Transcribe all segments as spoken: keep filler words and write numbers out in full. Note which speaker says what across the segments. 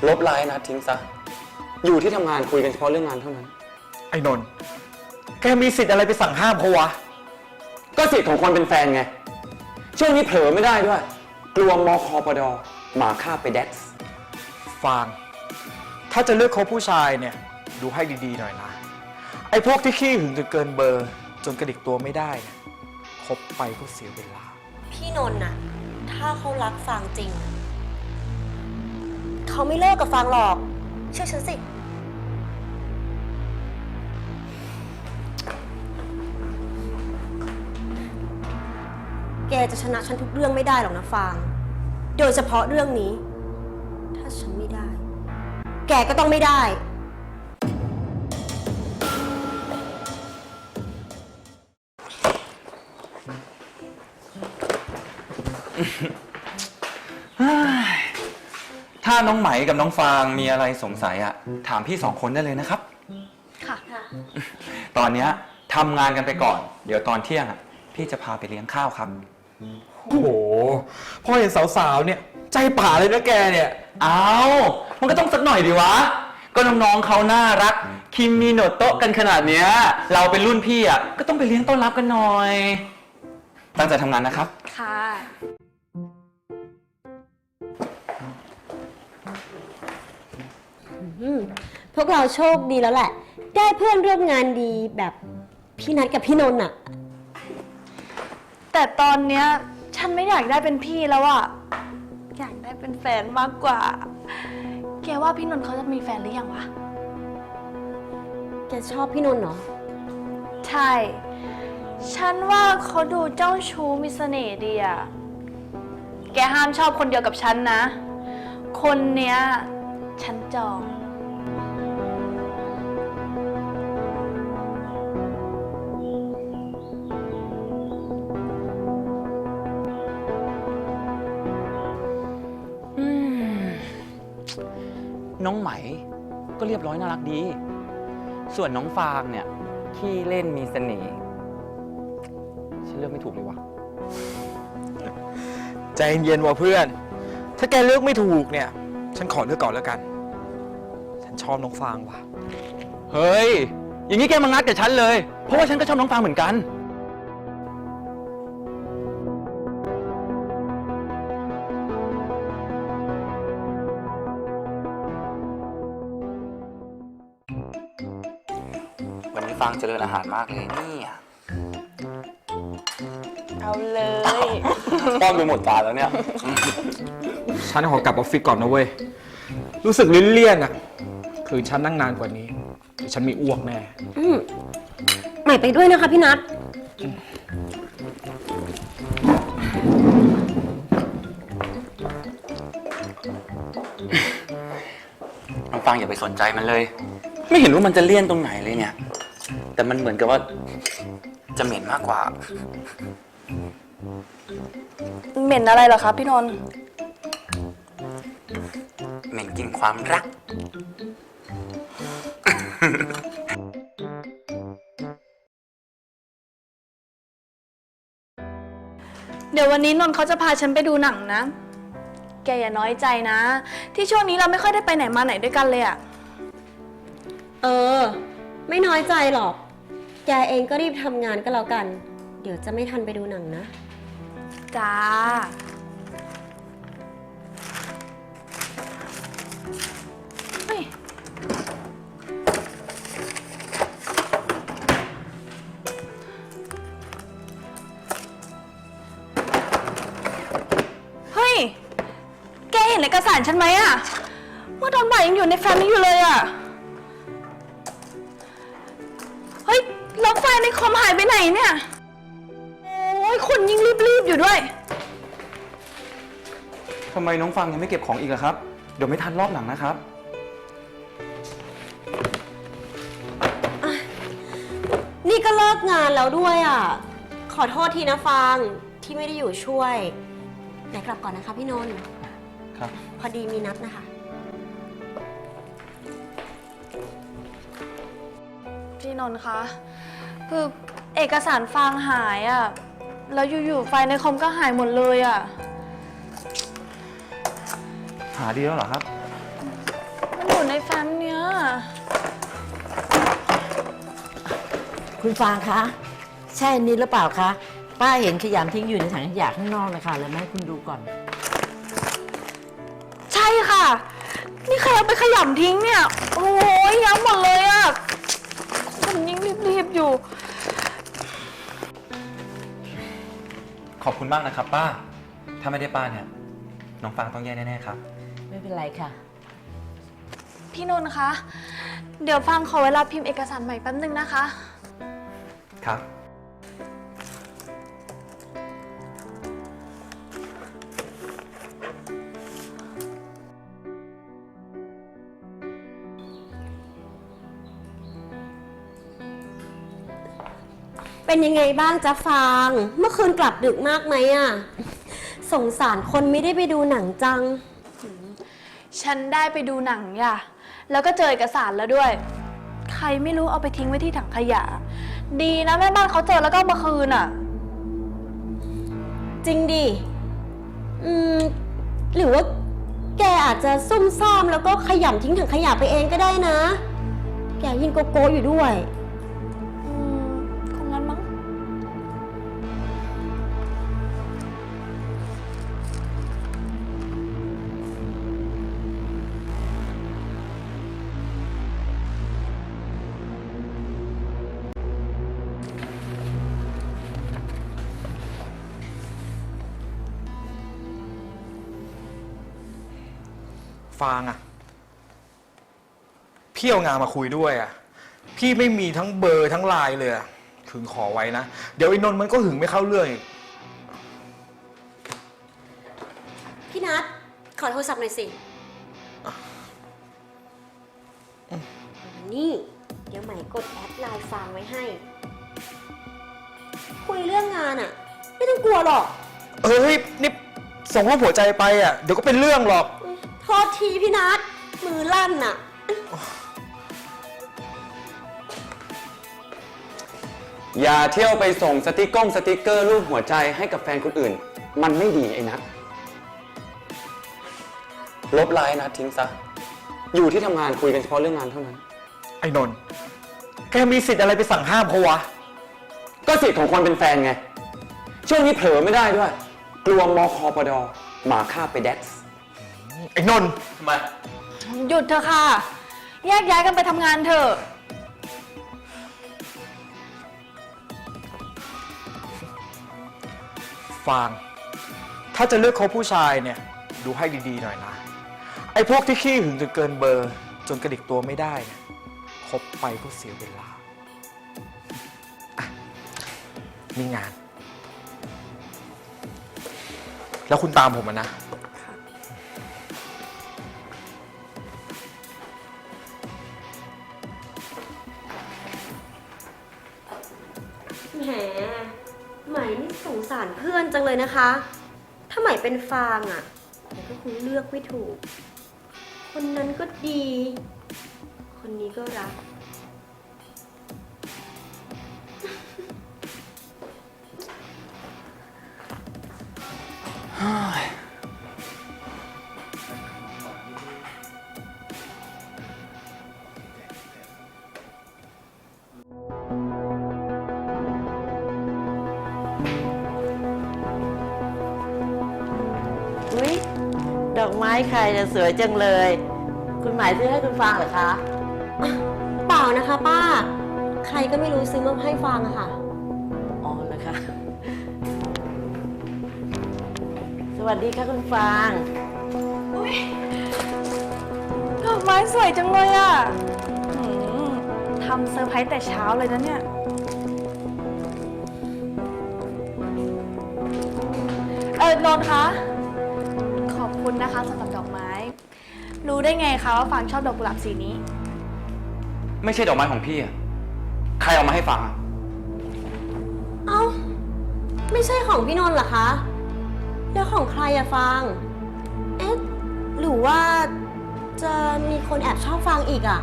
Speaker 1: ลบไลน์นะทิ้งซะอยู่ที่ทำงานคุยกันเฉพาะเรื่องงานเท่านั้น
Speaker 2: ไอ้นนท์แกมีสิทธิ์อะไรไปสั่งห้ามเขาวะ
Speaker 1: ก็สิทธิ์ของคนเป็นแฟนไงช่วงนี้เผลอไม่ได้ด้วยกลัวมคปดหมาฆ่าไปแดกซ์
Speaker 2: ฟางถ้าจะเลือกคบผู้ชายเนี่ยดูให้ดีๆหน่อยนะไอ้พวกที่ขี้หึงจนเกินเบอร์จนกระดิกตัวไม่ได้เนี่ยคบไปก็เสียเวลา
Speaker 3: พี่นนท์น่ะถ้าเขารักฟางจริงเขาไม่เลิกกับฟางหรอกเชื่อฉันสิแกจะชนะฉันทุกเรื่องไม่ได้หรอกนะฟางโดยเฉพาะเรื่องนี้ถ้าฉันไม่ได้แกก็ต้องไม่ได้
Speaker 1: ถ้าน้องไหมกับน้องฟางมีอะไรสงสัยอะถามพี่สองคนได้เลยนะครับ
Speaker 3: ค่ะ
Speaker 1: ตอนนี้ทำงานกันไปก่อนเดี๋ยวตอนเที่ยงอะพี่จะพาไปเลี้ยงข้าวครับ
Speaker 2: โอ้โหพอเห็นสาวๆเนี่ยใจป่าเลยนะแกเนี่ย
Speaker 1: อ้าวมันก็ต้องสักหน่อยดิวะก็น้องๆเขาน่ารักคิมมีโนโตะกันขนาดเนี้ยเราเป็นรุ่นพี่อะก็ต้องไปเลี้ยงต้อนรับกันหน่อยตั้งใจทำงานนะครับ
Speaker 3: ค่ะพวกเราโชคดีแล้วแหละได้เพื่อนร่วมงานดีแบบพี่นัทกับพี่นนท์อะ
Speaker 4: แต่ตอนเนี้ยฉันไม่อยากได้เป็นพี่แล้วอะอยากได้เป็นแฟนมากกว่าแกว่าพี่นนท์เขาจะมีแฟนหรือยังวะ
Speaker 3: แกชอบพี่นนท์เหรอ
Speaker 4: ใช่ฉันว่าเขาดูเจ้าชู้มีเสน่ห์ดีอะแกห้ามชอบคนเดียวกับฉันนะคนเนี้ยฉันจอง
Speaker 1: น้องไหมก็เรียบร้อยน่ารักดีส่วนน้องฟางเนี่ยขี้เล่นมีเสน่ห์ฉันเลือกไม่ถูกเลยวะ
Speaker 2: ใจเย็นๆว่ะเพื่อนถ้าแกเลือกไม่ถูกเนี่ยฉันขอเลือกก่อนแล้วกันฉันชอบน้องฟางว่ะ
Speaker 1: เฮ้ยอย่างนี้แกมางัดกับฉันเลยเพราะว่าฉันก็ชอบน้องฟางเหมือนกันวันนี้ฟางเจริญอาหารมากเลยนี่
Speaker 4: เอาเลย
Speaker 1: ป้อนไปหมดจานแล้วเนี่ย
Speaker 2: ฉันขอกลับออฟฟิศก่อนนะเว้ยรู้สึกลิ้นเลี่ยนอ่ะคือฉันนั่งนานกว่านี้ฉันมีอ้วกแน่
Speaker 3: อืมใหม่ไปด้วยนะคะพี่นัท
Speaker 1: น้องฟางอย่าไปสนใจมันเลยไม่เห็นว่ามันจะเลี่ยนตรงไหนเลยเนี่ยแต่มันเหมือนกับว่าจะเหม็นมากกว่า
Speaker 4: เหม็นอะไรเหรอคะพี่นนท์
Speaker 1: เหม็นกลิ่นความรัก
Speaker 4: เดี๋ยววันนี้นนท์เขาจะพาฉันไปดูหนังนะแกอย่าน้อยใจนะที่ช่วงนี้เราไม่ค่อยได้ไปไหนมาไหนด้วยกันเลยอะ
Speaker 3: เออไม่น้อยใจหรอกแกเองก็รีบทำงานก็แล้วกันเดี๋ยวจะไม่ทันไปดูหนังนะ
Speaker 4: จ้าเฮ้ยเฮ้ยแกเห็นเอกสารฉันไหมอะเมื่อตอนบ่ายยังอยู่ในแฟ้มนี้อยู่เลยอะเฮ้ยล็อกไฟล์ในคอมหายไปไหนเนี่ยโอ้ยคนยิ่งรีบๆอยู่ด้วย
Speaker 1: ทำไมน้องฟังยังไม่เก็บของอีกล่ะครับเดี๋ยวไม่ทันรอบหลังนะครับ
Speaker 3: นี่ก็เลิกงานแล้วด้วยอ่ะขอโทษทีนะฟังที่ไม่ได้อยู่ช่วยไหนกลับก่อนนะคะพี่นนท์
Speaker 1: ครับ
Speaker 3: พอดีมีนัดนะคะ
Speaker 4: พี่นนท์คะคือเอกสารฟางหายอ่ะแล้วอยู่ๆไฟในคอมก็หายหมดเลยอ่ะ
Speaker 1: หาดีแล้วเหรอครับ
Speaker 5: คุณฟางคะใช่อันนี้หรือเปล่าคะป้าเห็นขยำทิ้งอยู่ในถังขยะข้างนอกนะคะแล้วแม่คุณดูก่อน
Speaker 4: ใช่ค่ะ นี่ใครเอาไปขยำทิ้งเนี่ย โอ้ยย้ำหมดเลยอะคนยิ่งรีบๆอยู่
Speaker 1: ขอบคุณมากนะครับป้า ถ้าไม่ได้ป้าเนี่ย น้องฟางต้องแย่แน่ๆครับ
Speaker 5: ไม่เป็นไรค่ะ
Speaker 4: พี่นนท์คะ เดี๋ยวฟังขอเวลาพิมพ์เอกสารใหม่แป๊บนึงนะคะ
Speaker 1: ครับ
Speaker 3: เป็นยังไงบ้างจ๊ะฟาง เมื่อคืนกลับดึกมากไหมอะสงสารคนไม่ได้ไปดูหนังจัง
Speaker 4: ฉันได้ไปดูหนังย่ะ แล้วก็เจอเอกสารแล้วด้วย ใครไม่รู้เอาไปทิ้งไว้ที่ถังขยะ ดีนะแม่บ้านเขาเจอแล้วก็เอามาคืนอ่ะ
Speaker 3: จริงดิ อืม หรือว่าแกอาจจะซุ่มซ่ามแล้วก็ขยำทิ้งถังขยะไปเองก็ได้นะ แกยินโกโก้อยู่ด้วย
Speaker 4: อืม คงงั้นมั้ง
Speaker 2: ฟางอะพี่เอางานมาคุยด้วยอะพี่ไม่มีทั้งเบอร์ทั้งไลน์เลยอะถึงขอไว้นะ เดี๋ยวไอ้นนท์มันก็หึงไม่เข้าเรื่องอีก
Speaker 3: พี่นัทขอโทรศัพท์หน่อยสินี่ เดี๋ยวใหม่กดแอดไลน์ฟางไว้ให้ คุยเรื่องงานอะไม่ต้องกลัวหรอก
Speaker 2: เฮ้ยนี่ส่งรูปหัวใจไปอะเดี๋ยวก็เป็นเรื่องหรอก
Speaker 3: โทษทีพี่นัทมือลั่นน่ะ
Speaker 1: อย่าเที่ยวไปส่งสติกเกอร์สติกเกอร์รูปหัวใจให้กับแฟนคนอื่น มันไม่ดีไอ้นัทลบไลน์นะทิ้งซะ อยู่ที่ทำงานคุยกันเฉพาะเรื่องงานเท่านั้น
Speaker 2: ไอ้นนท์แกมีสิทธิ์อะไรไปสั่งห้ามเขาวะ
Speaker 1: ก็สิทธิ์ของคนเป็นแฟนไง ช่วงนี้เผลอไม่ได้ด้วย กลัวมคปดหมาฆ่าไปแดกซ์
Speaker 2: ไอ้นนท์
Speaker 1: ทำไม
Speaker 4: หยุดเถอะค่ะ แยกย้ายกันไปทำงานเถอะ
Speaker 2: ฟาง ถ้าจะเลือกคบผู้ชายเนี่ย ดูให้ดีๆหน่อยนะ ไอ้พวกที่ขี้หึงจนเกินเบอร์ จนกระดิกตัวไม่ได้เนี่ยคบไปก็เสียเวลาอ่ะมีงาน แล้วคุณตามผมมานะ
Speaker 3: แหมใหม่นี่สงสารเพื่อนจังเลยนะคะ ถ้าใหม่เป็นฟางอะ่ะแต่ก็คงเลือกไม่ถูก คนนั้นก็ดี คนนี้ก็รัก
Speaker 5: อุ๊ย ดอกไม้ใครจะสวยจังเลย คุณหมายซื้อให้คุณฟางเหรอคะ
Speaker 3: เปล่านะคะป้า ใครก็ไม่รู้ซื้อมาให้ฟางอะค่ะ
Speaker 5: อ๋อเหรอคะ สวัสดีค่ะคุณฟาง
Speaker 4: อุ๊ย ดอกไม้สวยจังเลยอ่ะหืมทำเซอร์ไพรส์แต่เช้าเลยนะเนี่ย เออนนท์คะ ขอบคุณนะคะสำหรับดอกไม้ รู้ได้ไงคะว่าฟางชอบดอกกุหลาบสีนี้
Speaker 1: ไม่ใช่ดอกไม้ของพี่อะใครเอามาให้ฟังอะ
Speaker 3: เอ้า ไม่ใช่ของพี่นนท์เหรอคะ แล้วของใครอะฟาง เอ๊ะ หรือว่าจะมีคนแอบชอบฟางอีกอะ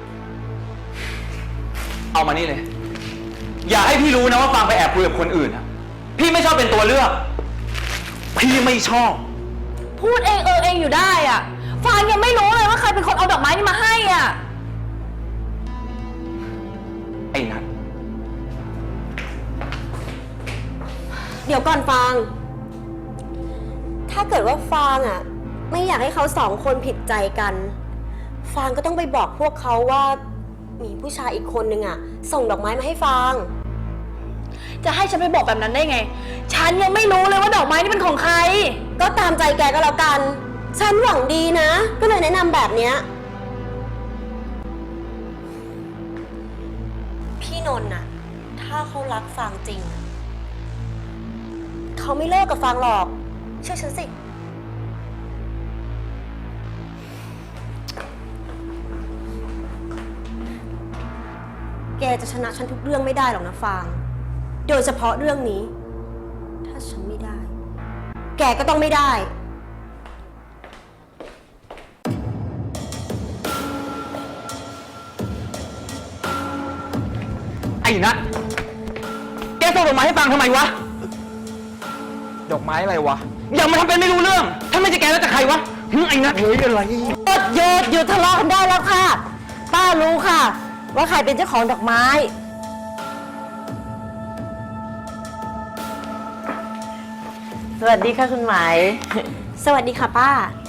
Speaker 1: เอามานี่เลย อย่าให้พี่รู้นะว่าฟังไปแอบคุยกับคนอื่นนะพี่ไม่ชอบเป็นตัวเลือก พี่ไม่ชอบ
Speaker 4: พูดเองเออเองอยู่ได้อ่ะ ฟางยังไม่รู้เลยว่าใครเป็นคนเอาดอกไม้นี่มาให้อ่ะ
Speaker 1: ไอ้นัท
Speaker 3: ดี๋ยวก่อนฟาง ถ้าเกิดว่าฟางอ่ะ ไม่อยากให้เขาสองคนผิดใจกัน ฟางก็ต้องไปบอกพวกเขาว่า มีผู้ชายอีกคนนึงอ่ะ ส่งดอกไม้มาให้ฟาง
Speaker 4: จะให้ฉันไปบอกแบบนั้นได้ไง ฉันยังไม่รู้เลยว่าดอกไม้นี่เป็นของใคร
Speaker 3: ก็ตามใจแกก็แล้วกัน ฉันหวังดีนะ ก็เลยแนะนำแบบเนี้ย พี่นนท์น่ะ ถ้าเขารักฟางจริงอะเขาไม่เลิกกับฟางหรอก เชื่อฉันสิ แกจะชนะฉันทุกเรื่องไม่ได้หรอกนะฟาง โดยเฉพาะเรื่องนี้ ถ้าฉันไม่ได้ แกก็ต้องไม่ได้
Speaker 1: ไอ้นัทแกส่งดอกไม้ให้ฟังทำไมวะ
Speaker 2: ดอกไม้อะไรวะ
Speaker 1: อย่ามาทำเป็นไม่รู้เรื่อง ถ้าไม่ใช่แกแล้วจะใครวะหึไอ้นัท
Speaker 2: เฮ้ยอะไร
Speaker 5: หยุดหยุดหยุดทะเลาะกันได้แล้วค่ะ ป้ารู้ค่ะ ว่าใครเป็นเจ้าของดอกไม้ สวัสดีค่ะคุณหมาย
Speaker 3: สวัสดีค่ะป้า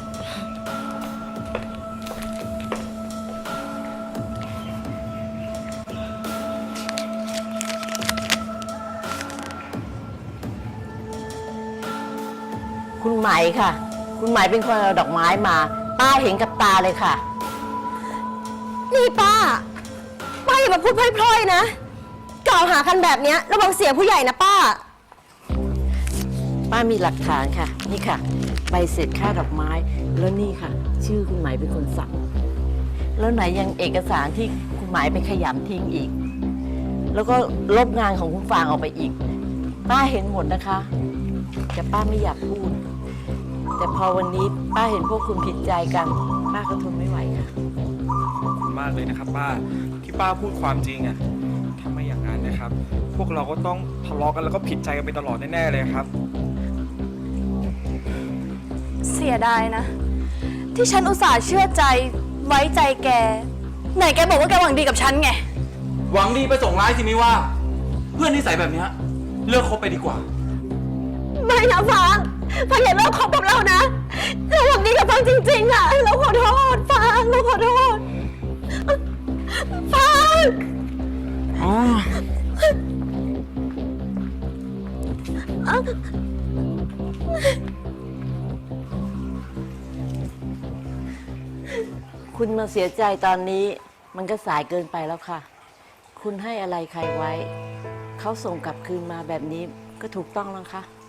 Speaker 5: คุณหมายค่ะ คุณหมายเป็นคนเอาดอกไม้มา ป้าเห็นกับตาเลยค่ะ
Speaker 3: นี่ป้า ป้าอย่ามาพูดพล่อยๆนะ กล่าวหากันแบบเนี้ยระวังเสียผู้ใหญ่นะป้า
Speaker 5: ป้ามีหลักฐานค่ะ นี่ค่ะใบเสร็จค่าดอกไม้ แล้วนี่ค่ะ ชื่อคุณหมายเป็นคนสั่ง แล้วไหนยังเอกสารที่คุณหมายไปขยำทิ้งอีก แล้วก็ลบงานของคุณฟางออกไปอีก ป้าเห็นหมดนะคะ แต่ป้าไม่อยากพูด แต่พอวันนี้ป้าเห็นพวกคุณผิดใจกัน ป้าก็ทนไม่ไหวค่ะ
Speaker 2: ขอบคุณมากเลยนะครับป้าที่ป้าพูดความจริงอะถ้าไม่อย่างนั้นนะครับ พวกเราก็ต้องทะเลาะกันแล้วก็ผิดใจกันไปตลอดแน่ๆเลยครับ
Speaker 4: เสียดายนะ ที่ฉันอุตส่าห์เชื่อใจไว้ใจแก ไหนแกบอกว่าแกหวังดีกับฉันไง
Speaker 1: หวังดีไปส่งร้ายสิไม่ว่า เพื่อนนิสัยแบบเนี้ยเลิกคบไปดีกว่า
Speaker 3: ไม่นะฟางฟางอย่าเลิกคบกับเรานะ เราหวังดีกับฟางจริงๆอะเราขอโทษฟางเราขอโทษฟาง
Speaker 5: คุณมาเสียใจตอนนี้มันก็สายเกินไปแล้วค่ะ คุณให้อะไรใครไว้ เขาส่งกลับคืนมาแบบนี้ก็ถูกต้องแล้วค่ะ